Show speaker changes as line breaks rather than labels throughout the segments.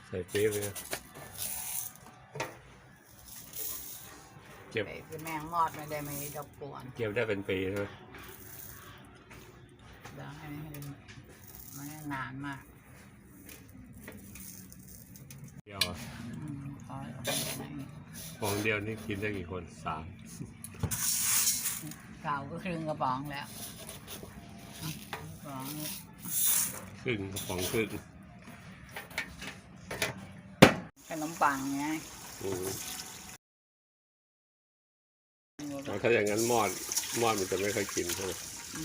ใส่ปี๊บเลยเก็บ
คือแมงมอดไม่ได้ไม่รบกวน
เก็บได้เป็นปีใช่ไหม
ได้ไม่นานมาก
เดียว
พอ
ของเดียวนี่กินได้กี่คน3
เก่าก็ครึ่งกระป๋องแล้วกระป๋อง
ครึ่งกระป๋องครึ่ง
ขนมปังไง
ถ้าอย่างนั้นมอดมันจะไม่ค่อยกินใช่ไหม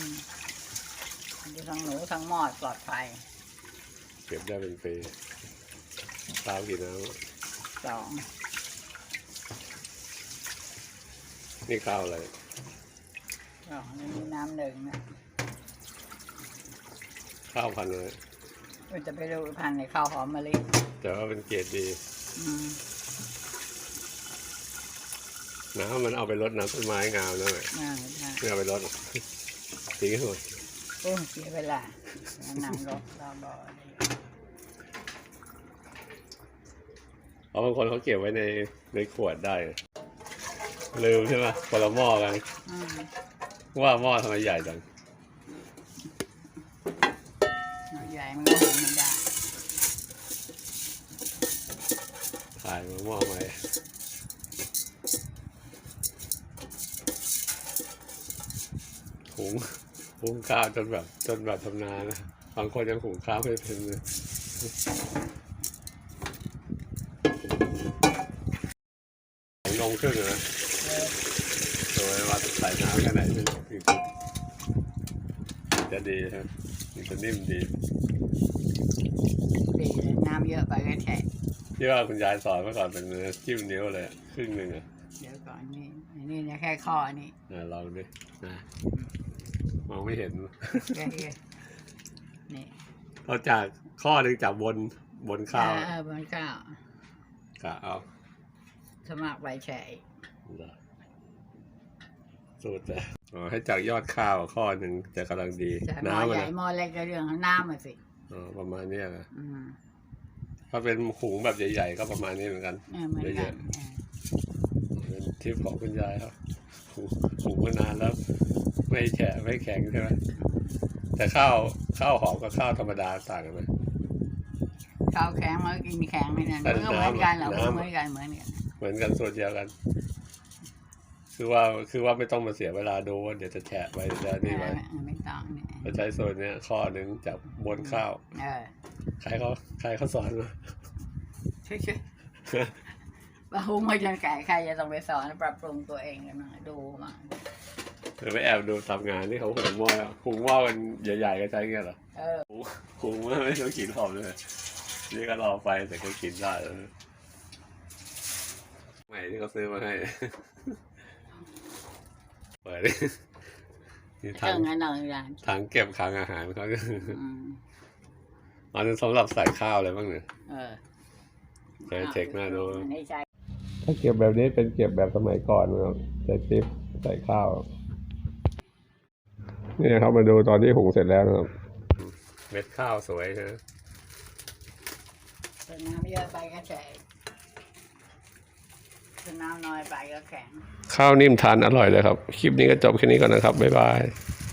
ทั้งหนูทั้งมอดปลอดภัย
เก็บได้เป็นปีข้าวกี่น้ำ
2
นี่ข้าวอะไร
นี่มีน้ำ1นะ
ข้าวพันธุ์อะไร
มันจะไปดูพันธุ์ในข้าวหอมมะลิ
แต่ว่าเป็นเกรดดีน้ำมันเอาไปรดน้ำต้นไม้งามแล้วไหมไม่เอาไปรดทิ้งให้หมด
โอ้เสียเวลาน้ำรดเราบ่
เพราะบางคนเขาเก็บไว้ในขวดได้ลืมใช่ไหมคนละหม้อกันว่าหม้อทำไมใหญ่จัง
ใหญ่มันก็หุงไม่ได้
ขายมาหม้อไหมหุงข้าวจนแบบทำนานะบางคนยังหุงข้าวไม่เป็นเลยนมครึ่งนะโดยว่าใส่น้ำแค่ไหนจะดีใช่ไหมจะนิ่มดี
น้ำเยอะไปก็แฉะ
ที่ว่าคุณยายสอนเมื่อก่อนเป็นจิ้มนิ้วเลยครึ่งหนึ่ง
เดี๋ยวก่อนนี่แค่ข้อนี่
ลองดินะมองไม่เห็น
นี่
เราจากข้อหนึ่งจากบนข้าว
บนข้าว
กะเอา
สมัครใบแฉะ
สูตรเลยให้จากยอดข้าวข้อหนึ่งจะกำลังดี
น้ำใหญ่หม้อเล็กก็เรื่องน้ำมาสิ
ประมาณนี้นะถ้าเป็นหุงแบบใหญ่ๆก็ประมาณนี้เหมือนกันเยอะๆเป็นทิปของคุณยายครับหุงมานานแล้วไม่แฉะไม่แข็งใช่ไหมแต่ข้าวหอมกับข้าวธรรมดาต่างกันไหม
ข้าวแข็งมันกินแข็งไม่นานมันก็เหมือนกันเหรอเหมือน
กันส่วนเดียวกันคือว่าไม่ต้องมาเสียเวลาดูว่าเดี๋ยวจะแฉะไปจะนี่ไป
ไม่ต้องเนี่ย
เราใช้โซนนี้ข้อหนึ่งจากบนข้าวใครเขาสอนมา
ช่วยปะหุงมาจนไก่ใครจะต้องไปสอนปรับปรุงตัวเองกันมาดูมา
หรือไปแอบดูทำงานที่เขาหุงหม้อกันใหญ่ๆก็ใช้เงี้ยเหรอหุงไม่ต้องกินหอมเลยนี่ก็รอไฟแต่ก็กินได้แล้วใหม่ที่เขาซื้อมาให้เปิดนี่ถังเก็บขังอาหารเขาอันนั้นสำหรับใส่ข้าวอะไรบ้างเนี่ยใช้เทคหน้าดูถ้าเก็บแบบนี้เป็นเก็บแบบสมัยก่อนนะครับใช้ติ๊บใส่ข้าวนี่ครับมาดูตอนที่หุงเสร็จแล้วนะครับเม็ดข้าวสวยนะ
น้ำเยอะไปก็แฉะน้ำน้อยไปก็แข็ง
ข้าวนิ่มทานอร่อยเลยครับคลิปนี้ก็จบแค่นี้ก่อนนะครับบ๊ายบาย